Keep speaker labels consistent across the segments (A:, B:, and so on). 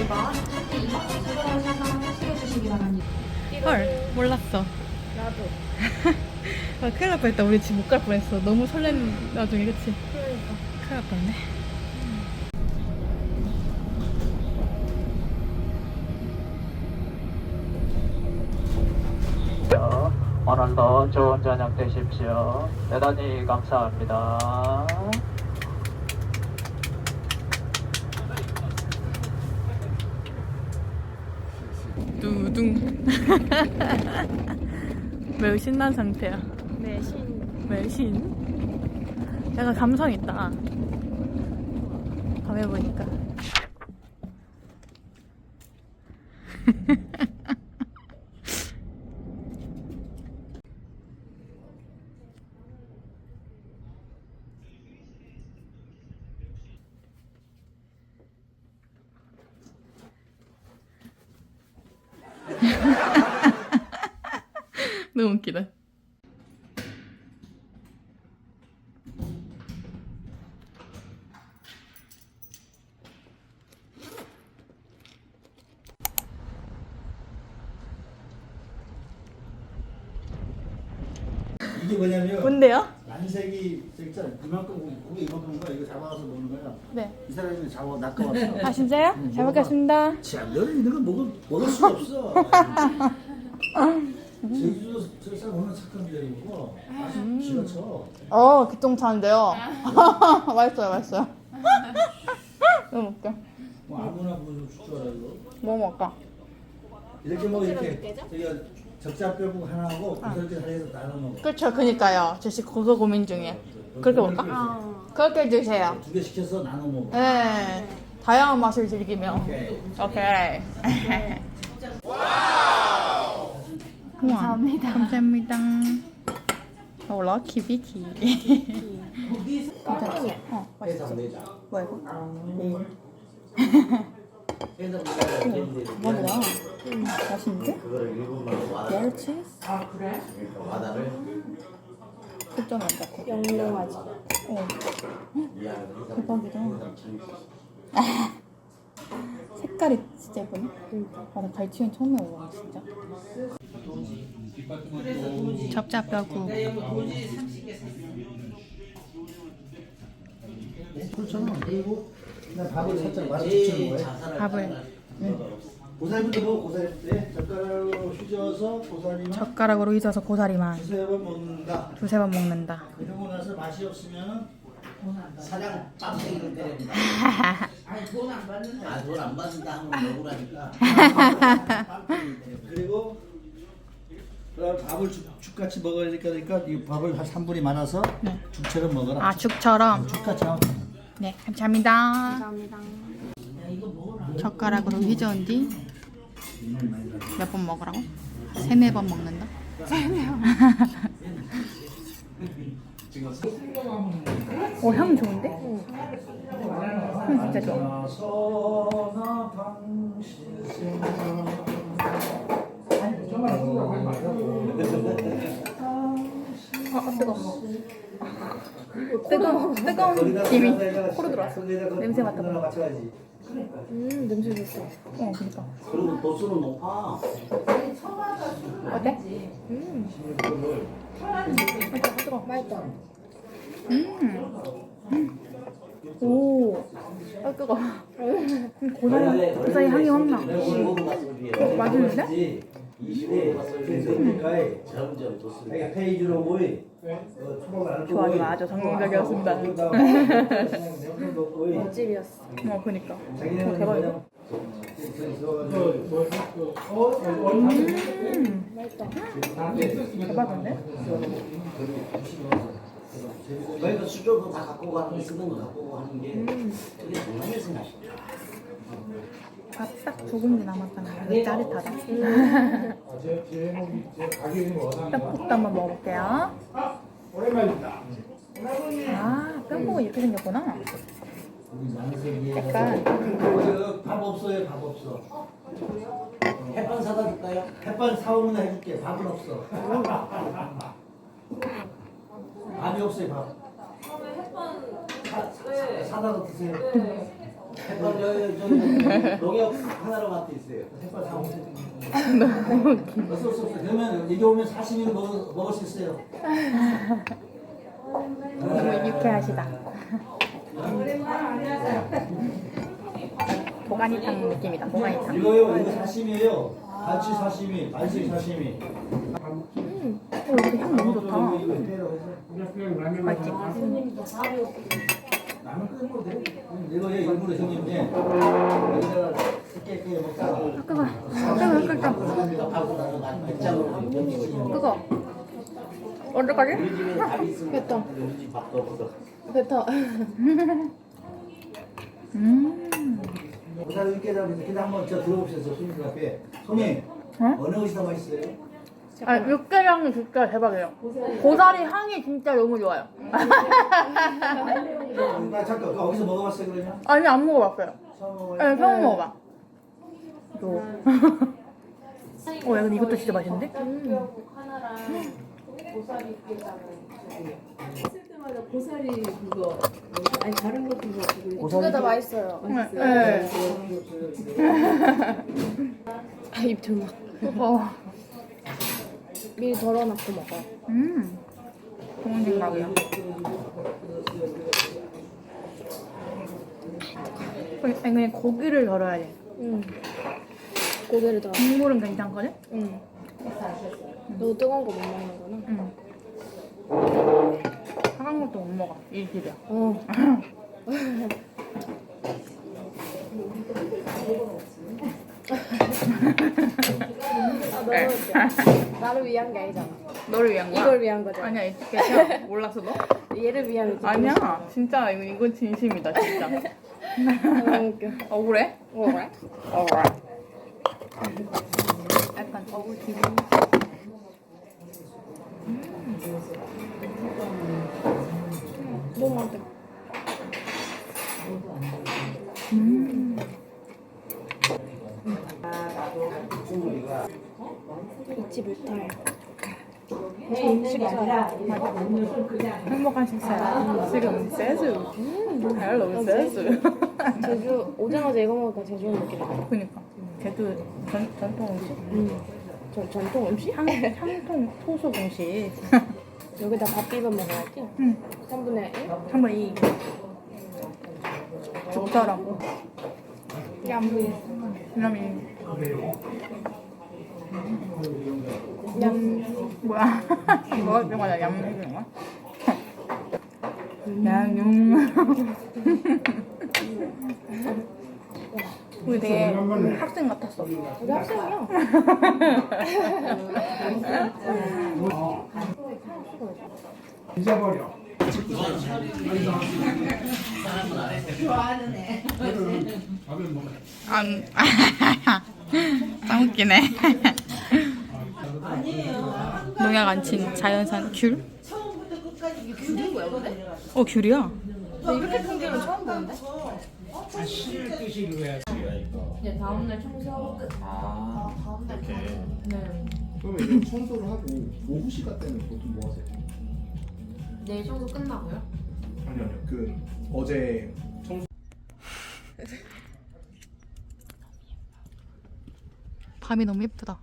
A: 헐, 몰랐어.
B: 나도.
A: 아, 큰일 날 뻔했다. 우리 집 못 갈 뻔했어. 너무 설렌 나중에, 그치?
B: 그러니까.
A: 큰일 날 뻔했네.
C: 오늘도 좋은 저녁 되십시오. 대단히 감사합니다.
A: 두둥. 매우 신난 상태야.
B: 매신.
A: 매우 신. 약간 감성 있다. 밤에 보니까. 너무 웃기다.
D: 이게 뭐냐면
A: 뭔데요?
D: 蓝색이 저기 있잖아. 이만큼 고개 이만큼 거야. 이거 잡아서 먹는 거야.
A: 네.
D: 이 사람이 잡아 낚아왔어.
A: 아, 진짜요? 잘 먹겠습니다.
D: 참, 너는 있는 거 먹을 수가 없어. 제주도 저 사람 얼마나 착한데 이거. 기가 쳐.
A: 기똥차인데요. 맛있어요, 맛있어요. 너무 웃겨.
D: 뭐 아무나 무슨 줄 알아 이거.
A: 뭐 먹을까?
D: 이렇게 먹 이렇게 저기가 적자뼈국 하나 하고 고설기 하나에서 나눠 먹어.
A: 그렇죠, 그니까요. 제시 그거 고민 중에. 그렇게 먹을까? 그렇게 드세요.
D: 2개 시켜서 나눠 먹어.
A: 네. 다양한 맛을 즐기며.
D: 오케이.
A: 오케이. 감사합니다. 감사합니다. 럭키 비키. 괜찮지? 맛있어. 뭐야 이거? 뭐보다 맛있는데? 멸치? 아 그래? 흑점 안 잡고.
B: 영롱하지.
A: 대박이다. 색깔이 진짜 예쁘네. 아, 나 갈치엔 처음 먹어봐 진짜. 접자뼈국.
D: 그렇잖아. 그리고 그냥 밥을 살짝 말아 붙이는 거야.
A: 밥을
D: 고사리부터 먹어. 고사리부터 젓가락으로 휘저어서 고사리만
A: 젓가락으로 휘저어서 고사리만
D: 두세 번 먹는다.
A: 두세 번 먹는다.
D: 그러고 나서 맛이 없으면 사장 빡세기를 때립니다. 돈 안 받는다. 돈 안 받는다 하면 먹으라니까. 그리고 그다음 밥을 죽같이 먹어야 되니까 이 밥을 한 3분이 말아서 죽처럼 먹어라.
A: 아 죽처럼.
D: 죽같이 하면
A: 네 감사합니다.
B: 감사합니다.
A: 젓가락으로 휘저은 뒤 몇 번 먹으라고? 세네 번 먹는다. 오, 향 좋은데? 향 진짜 좋아. 뜨거운 김이 코로 들어왔어. 냄새 맡아봐.
B: 냄새 좋다.
A: 그니까.
D: 그리고 도수는 높아.
A: 어때?
B: 맛있다.
A: 오, 뜨거. 고사리 향이 확 나. 맛있는데?
D: 점점 도수. 페이지로 모이.
A: 좋아, 아주 성공적이었습니다.
B: 맛집이었어.
A: 그니까. 대박이다. 대박인데?
D: 저희가 수저도 다 갖고 가는 게 쓰는 거 갖고 하는 게 그게 동남에서 맛있다.
A: 밥 딱 두 공기 남았다는 짜릿하다. 떡국도 한번 먹어볼게요.
D: 오랜만입니다.
A: 아, 뼈국은 이렇게 생겼구나. 약간
D: 밥 없어요, 밥 없어. 햇반 사다 줄까요? 햇반 사오면 해줄게. 밥은 없어. 밥이 없어요, 밥. 사다가 드세요. 햇반 농협 하나로 맛도 있어요. 햇반 다 오세요. 어서 오세요. 그러면 여기 오면 사시미를 먹을 수 있어요.
A: 너무 유쾌하시다. 도가니탕 느낌이다. 도가니탕.
D: 이거 사시미예요. 갈치 사시미, 갈치 사시미.
A: 여기 향 너무 좋다. 맛있지?
D: 라면 끓는 거 돼? 이거 일부러 형님 여기다가 깨 먹다가
A: 끄고. 언제까지?
D: 우리 집에 밥이 있으면
B: 뱉어.
D: 우리 집 밥도 없어.
B: 뱉어.
D: 고사리 육개장 근데 한번 저 들어보셔서 손님 앞에 손님 어느 것이 더 맛있어요?
A: 아, 육개장이 진짜 대박이에요. 고사리 향이 진짜 너무 좋아요.
D: 나 잠깐 어디서 먹어봤어요 그러면?
A: 아니, 안 먹어봤어요.
D: 처음 먹어요?
A: 네, 처음 먹어봐. 이거. 야, 근데 이것도 진짜 맛있는데?
E: 했을 때마다 고사리 그거 아니 다른 것도 그거
B: 두 개 다 맛있어요.
A: 네.
B: 입 조막. 미리 덜어놓고 먹어.
A: 좋은 생각이야. 아니, 그냥 고기를 덜어야 돼.
B: 고기를 덜어.
A: 국물은 괜찮거든?
B: 너 뜨거운 거 못 먹는구나.
A: 차가운 것도 못 먹어. 이 집이야.
B: 너무 웃겨. 나를 위한 게 아니잖아.
A: 너를 위한 거야?
B: 이걸 위한 거잖아.
A: 아니야, 괜찮아. 몰랐어, 너?
B: 얘를 위한 거지.
A: 아니야. 진짜, 이건 진심이다, 진짜.
B: 너무 웃겨.
A: 억울해?
B: 그래?
A: 억울해. 약간 억울 기분.
B: 너무 많다. 잊지 못할 좋은 식사.
A: 행복한 식사야. 지금 세수. 헬로 세수.
B: 제주 오자마자 이거 먹으니까 제주 느낌이야.
A: 그니까. 제주 전통 음식?
B: 전통 음식?
A: 향통 토속 음식.
B: 여기다 밥 비벼 먹어야지.
A: 응.
B: 3분의 1?
A: 한번 이 죽처럼. 그러면 뭐야? 먹을 때마다 얌 해주는 거야? 양용. 우리 되게 학생 같았어.
B: 우리 학생이야.
F: 잊어버려.
A: 안. 짱 웃기네. 농약 안 친 자연산 귤?
B: 귤인 거야, 근데?
A: 귤이야.
B: 나 이렇게 큰 귤은 처음 보는데?
E: 이제 다음날 청소하고 끝.
B: 다음날
F: 그러면 이제 청소를 하고 오후 시간 때는 보통 뭐 하세요?
E: 내일 청소 끝나고요?
F: 아니요. 그 어제
A: 밤이 너무 예쁘다.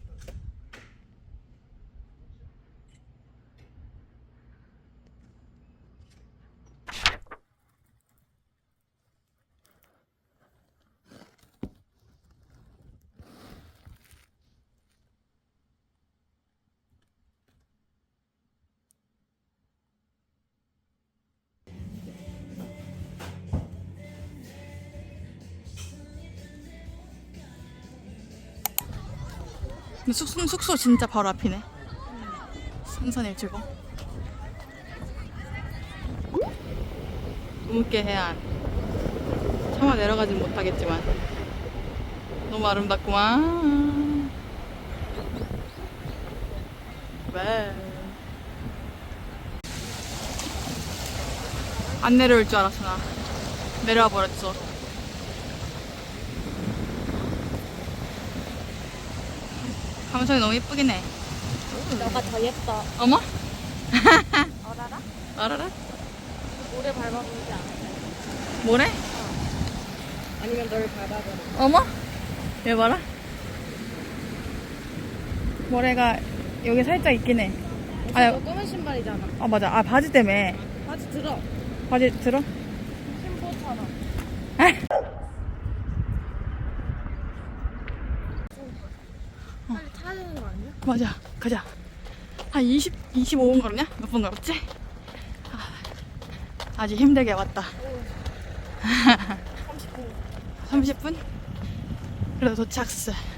A: 근데 숙소 진짜 바로 앞이네. 삼산일출봉. 우묵계 해안. 차마 내려가진 못하겠지만 너무 아름답구만. 왜? 안 내려올 줄 알았어 나. 내려와 버렸어. 감성이 너무 예쁘긴 해.
B: 너가 더 예뻐.
A: 어머?
B: 어라라?
A: 알아라?
B: 모래 밟아보지 않아.
A: 뭐래?
B: 아니면 너를 밟아버려.
A: 어머? 얘 봐라. 모래가 여기 살짝 있긴 해.
B: 너 검은 신발이잖아.
A: 아 맞아. 아 바지 때문에.
B: 바지 들어.
A: 바지 들어?
B: 신보처럼. 빨리 타야 되는 거 아니야?
A: 맞아. 가자. 한 25분 걸었냐? 몇 분 걸었지? 아주 힘들게 왔다. 30분? 그래도 도착했어.